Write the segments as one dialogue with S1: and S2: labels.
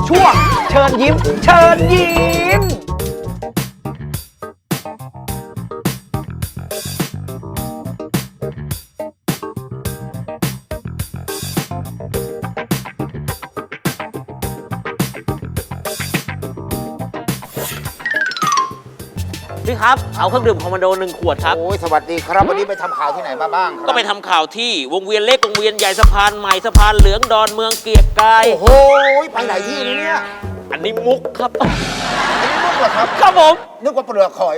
S1: ช่วงเชิญยิ้มเชิญยิ้ม
S2: พี่ครับเอาเครื่องดื่มคอมมานโด1 ขวดครับ
S3: โอ้ยสวัสดีครับวันนี้ไปทำข่าวที่ไหนมาบ้างครับ
S2: ก็ไปทำข่าวที่วงเวียนเล็กวงเวียนใหญ่สะพานใหม่สะพานเหลืองดอนเมืองเกียรติกาย
S3: โอ้โหไปไหนที่เนี่ย
S2: อันนี้มุกครับ
S3: อันนี้มุกเหรอครับ
S2: ครับผม
S3: นึกว่าเปลือกหอย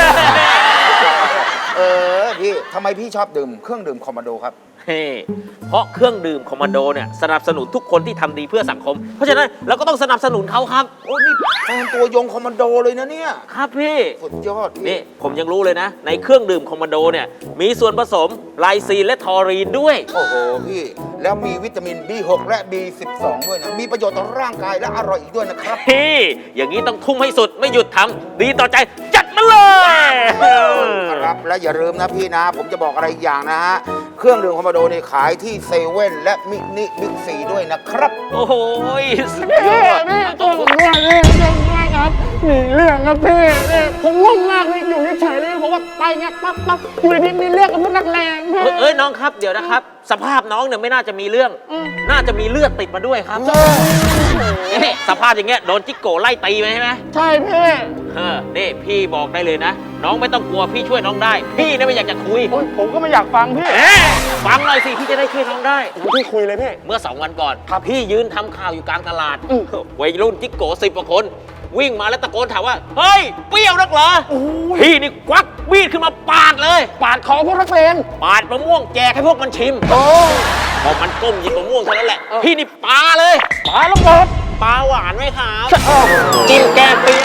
S3: พี่ทำไมพี่ชอบดื่มเครื่องดื่มคอมมานโดครับ
S2: เฮ้เพราะเครื่องดื่มคอมมานโดเนี่ยสนับสนุนทุกคนที่ทำดีเพื่อสังคม เพราะฉะนั้นเราก็ต้องสนับสนุนเขาครับ
S3: โอ้นี่แฟนตัวยงคอมมานโดเลยนะเนี่ย
S2: ครับพี่
S3: สุดยอดพี่
S2: นี่ผมยังรู้เลยนะ ในเครื่องดื่มคอมมานโดเนี่ยมีส่วนผสมไลซีนและทอรีนด้วย
S3: โอ้โหพี่แล้วมีวิตามิน B6 และ B12 ด้วยนะมีประโยชน์ต่อร่างกายและอร่อยอีกด้วยนะครับ
S2: พี่อย่างนี้ต้องทุ่มให้สุดไม่หยุดทำดีต่อใจจัดมาเลย
S3: ครับและอย่าลืมนะพี่นะ ผมจะบอกอะไรอีกอย่างนะฮะเครื่องดื่มคอมมานโดนี่ขายที่เซเว่นและมินิบิ๊กซีด้วยนะครับ
S2: โอ้โหสุดย
S4: พี่
S2: อด
S4: พี่ตัวผมด้วยพี่เรื่องมากครับหนีเรื่องครับพี่ผมงงมากเลยอยู่เฉยๆเลยผมว่าไปเงี้ยปั๊บอยู่ดีๆมีเรื่องกับพวกนักเลงพี่
S2: เอ้ยน้องครับเดี๋ยวนะครับ สภาพน้องเนี่ยไม่น่าจะมีเรื่อง น่าจะมีเลือดติดมาด้วยครับนี่สภาพอย่างเงี้ยโดนจิกโกไล่ตีไหมใช่ไหม
S4: ใช่พี่
S2: นี่พี่บอกได้เลยนะ น้องไม่ต้องกลัวพี่ช่วยน้องได้ พี่เนี่ยไม่อยากจะคุย
S4: โอ๊ยผมก็ไม่อยากฟังพี่
S2: เอ๊ะฟังหน่อยสิพี่จะได้ช่วยน้องได้
S4: พี่คุยเลยพี่
S2: เมื่อ2 วันก่อนพี่ยืนทำข่าวอยู่กลางตลาด
S4: อืม
S2: วัยรุ่นจิกโก10 กว่าคน วิ่งมาแล้วตะโกนถามว่า เฮ้ย เปรี้ยวนักเหรอพี่นี่ควักมีดขึ้นมาปาดเลย
S4: ปาดคอพวกนักเลง
S2: ปาดมะม่วงแจกให้พวกมันชิม
S4: โอ้
S2: พอมันก้มหยิบมะม่วงเท่านั้นแหละ พี่นี่ปาเลย
S4: ปาแล้วเบิด
S2: ปาหวานไหมครับกินแก้เปรี้ยว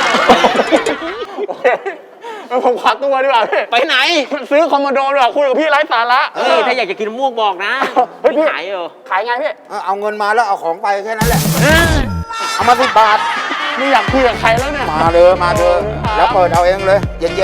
S4: ผมขอตัวดีกว่าพี่
S2: ไปไหน
S4: ซื้อคอมมานโดดีกว่าคุยกับพี่ไร้สาระ
S2: ถ้าอยากจะกินมะม่วงบอกนะ
S4: เฮ้ยพี่
S2: ขายเหรอ
S4: ขายไงพี่
S3: เอาเงินมาแล้วเอาของไปแค่นั้นแหละ เอามา10 บาท
S4: ไม่อยากคุยกับใครแล้วเนี่ย
S3: มาเลยแล้วเปิดเอาเองเลยเย็นๆ